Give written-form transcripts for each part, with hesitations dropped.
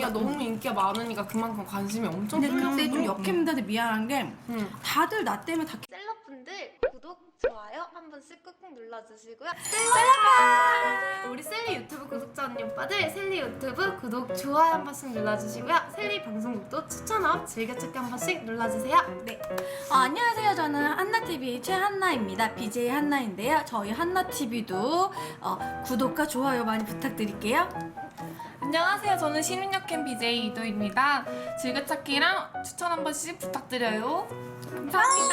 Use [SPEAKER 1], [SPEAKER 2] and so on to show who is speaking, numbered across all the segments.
[SPEAKER 1] 언니가 너무 인기가 많으니까 그만큼 관심이 엄청
[SPEAKER 2] 근데
[SPEAKER 1] 쏠렸어.
[SPEAKER 2] 그때 좀 역캠들한테 미안한 게 다들 나 때문에 다
[SPEAKER 3] 셀럽분들 구독, 좋아요 한 번씩 꾹꾹 눌러주시고요. 셀럽!
[SPEAKER 1] 우리 셀리 유튜브 구독자 언니 오빠들 셀리 유튜브 구독, 좋아요 한 번씩 눌러주시고요. 셀리 방송국도 추천업, 즐겨찾기 한 번씩 눌러주세요.
[SPEAKER 2] 네. 안녕하세요. 저는 한나TV 최한나입니다. BJ 한나인데요. 저희 한나TV도 구독과 좋아요 많이 부탁드릴게요.
[SPEAKER 4] 안녕하세요. 저는 신윤역캠 BJ 이도입니다. 즐겨찾기랑 추천 한 번씩 부탁드려요. 감사합니다.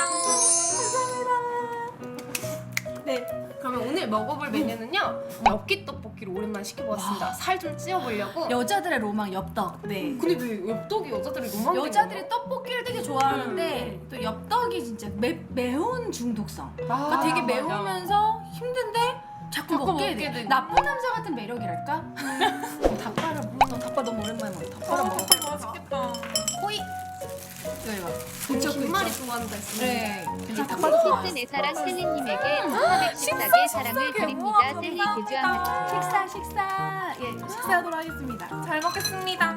[SPEAKER 2] 네.
[SPEAKER 1] 그러면 오늘 먹어볼 메뉴는요, 엽기 떡볶이를 오랜만에 시켜보았습니다. 살 좀 찌워보려고.
[SPEAKER 2] 여자들의 로망 엽떡. 네.
[SPEAKER 1] 근데 왜 엽떡이 여자들이 로망인
[SPEAKER 2] 여자들이 떡볶이를 되게 좋아하는데 또 엽떡이 진짜 매운 중독성. 그러니까 되게
[SPEAKER 4] 맞아.
[SPEAKER 2] 매우면서 힘든데 자꾸 먹게 돼.
[SPEAKER 4] 되고.
[SPEAKER 2] 나쁜 남자 같은 매력이랄까? 닭발을 닭발 너무 오랜만에 먹어. 닭발을 먹어봐.
[SPEAKER 4] 맛있겠다.
[SPEAKER 2] 호이. 이거.
[SPEAKER 1] 진짜 김말이 좋아한다 했어.
[SPEAKER 2] 그래. 괜찮아. 닭발도 좋아.
[SPEAKER 5] 키스 내 사랑 셀리님에게 1414개 사랑을 드립니다. 셀리 개주합니다.
[SPEAKER 2] 식사. 예, 식사하도록 하겠습니다.
[SPEAKER 4] 잘 먹겠습니다.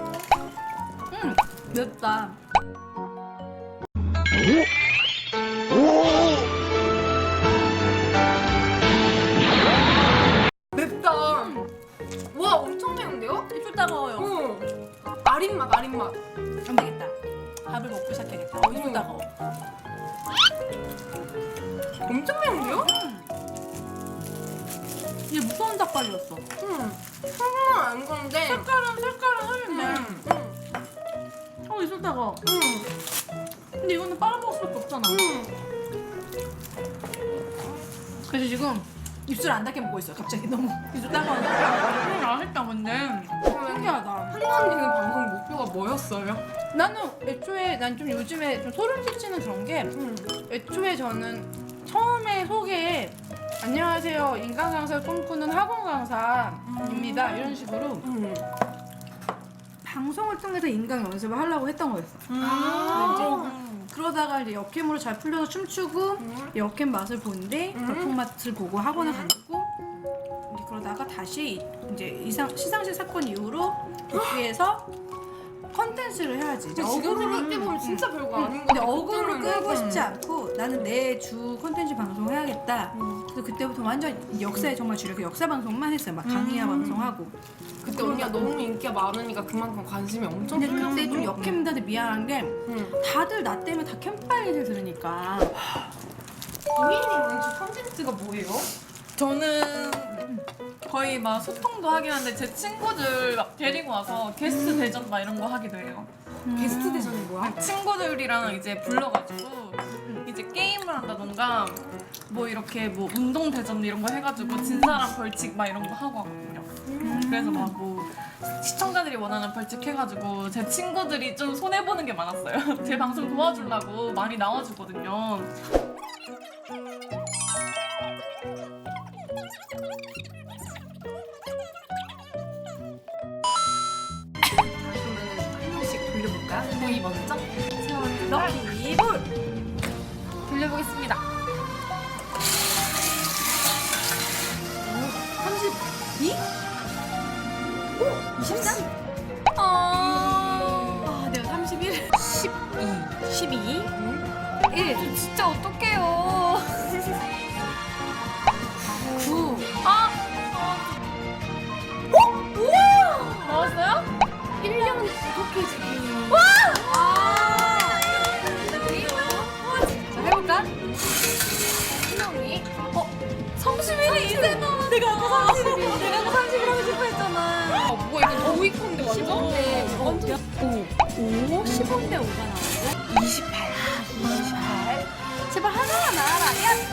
[SPEAKER 2] 맵다.
[SPEAKER 1] 맵다. 와, 엄청 매운데요?
[SPEAKER 2] 입술 따가워요.
[SPEAKER 1] 아린맛.
[SPEAKER 2] 안 되겠다. 밥을 먹고 시작해야겠다. 입술 따가워.
[SPEAKER 1] 엄청 매운데요?
[SPEAKER 2] 이게 무서운 닭발이었어.
[SPEAKER 1] 상상은 안 건데.
[SPEAKER 2] 색깔은 흐린데. 입술 따가워. 근데 이거는 빨아먹을 수밖에 없잖아. 그래서 지금 입술 안 닿게 먹고 있어요. 갑자기 너무 입술 따가워.
[SPEAKER 4] 맛있다 근데.
[SPEAKER 2] 신기하다.
[SPEAKER 1] 한나 언니는 방송 목표가 뭐였어요?
[SPEAKER 2] 나는 애초에 난 좀 요즘에 좀 소름 끼치는 그런 게 애초에 저는 처음에 소개에 안녕하세요 인간 강사를 꿈꾸는 학원 강사입니다 이런 식으로 방송을 통해서 인강 연습을 하려고 했던 거였어. 그러다가 이제 역캠으로 잘 풀려서 춤추고 역캠 맛을 보는데 역캠 맛을 보고 학원을 다니고 이제 그러다가 다시 이제 시상식 사건 이후로 도쿄에서 컨텐츠를 해야지. 이제
[SPEAKER 1] 지금 생각해보면 진짜 별거 아닌 거
[SPEAKER 2] 근데
[SPEAKER 1] 같아.
[SPEAKER 2] 어그를 끌고 싶지 않고 나는 내 주 컨텐츠 방송을 해야겠다. 그래서 그때부터 완전 역사에 정말 주력 역사 방송만 했어요. 막 강의야 방송하고.
[SPEAKER 1] 그때 언니가 너무 인기가 많으니까 그만큼 관심이 엄청
[SPEAKER 2] 근데
[SPEAKER 1] 쏠렸어.
[SPEAKER 2] 그때 좀 역캠들한테 미안한 게 다들 나 때문에 다 캠파 얘기를 들으니까
[SPEAKER 1] 도희님은 주 컨텐츠가 뭐예요?
[SPEAKER 4] 저는 거의 막 소통도 하긴 한데 제 친구들 막 데리고 와서 게스트 대전 막 이런 거 하기도 해요.
[SPEAKER 1] 게스트 대전이 뭐야?
[SPEAKER 4] 친구들이랑 이제 불러가지고 이제 게임을 한다던가 뭐 이렇게 뭐 운동 대전 이런 거 해가지고 진 사람 벌칙 막 이런 거 하고 하거든요. 그래서 막 뭐 시청자들이 원하는 벌칙 해가지고 제 친구들이 좀 손해 보는 게 많았어요. 제 방송 도와주려고 많이 나와주거든요.
[SPEAKER 1] 그러면 한 명씩 돌려볼까? 도희 먼저?
[SPEAKER 2] 럭키볼
[SPEAKER 1] 돌려보겠습니다.
[SPEAKER 2] 32? 오! 23? 내가 31? 12? 1
[SPEAKER 4] 진짜 어떡해요.
[SPEAKER 2] 9
[SPEAKER 4] 나왔어요?
[SPEAKER 1] 1년 구독해주기.
[SPEAKER 2] 자, 해볼까?
[SPEAKER 1] 신영이.
[SPEAKER 2] 31이 이제 나왔어. 내가 아까 31이 내가 아까 31 하고 싶어 했잖아.
[SPEAKER 1] 뭐야, 이거 도희 건데 완전?
[SPEAKER 2] 15대 완전 5 15대 5가 나왔고 28 제발 하나만 나와라.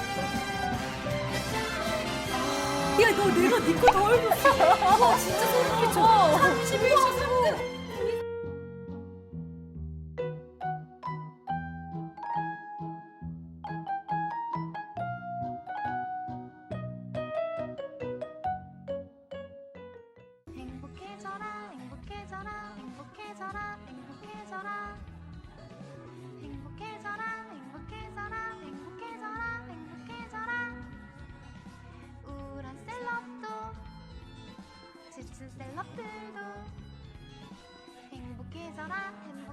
[SPEAKER 2] 야 너 내가 니거 더 해줬어. 와 진짜 소름 끼쳐. 31 13대
[SPEAKER 3] 행복해져라 행복해져라 행복해져라 행복해져라 행복해져라 행복해져라 행복해져라 행복해져라 우울한 셀럽도 지친 셀럽들도 행복해져라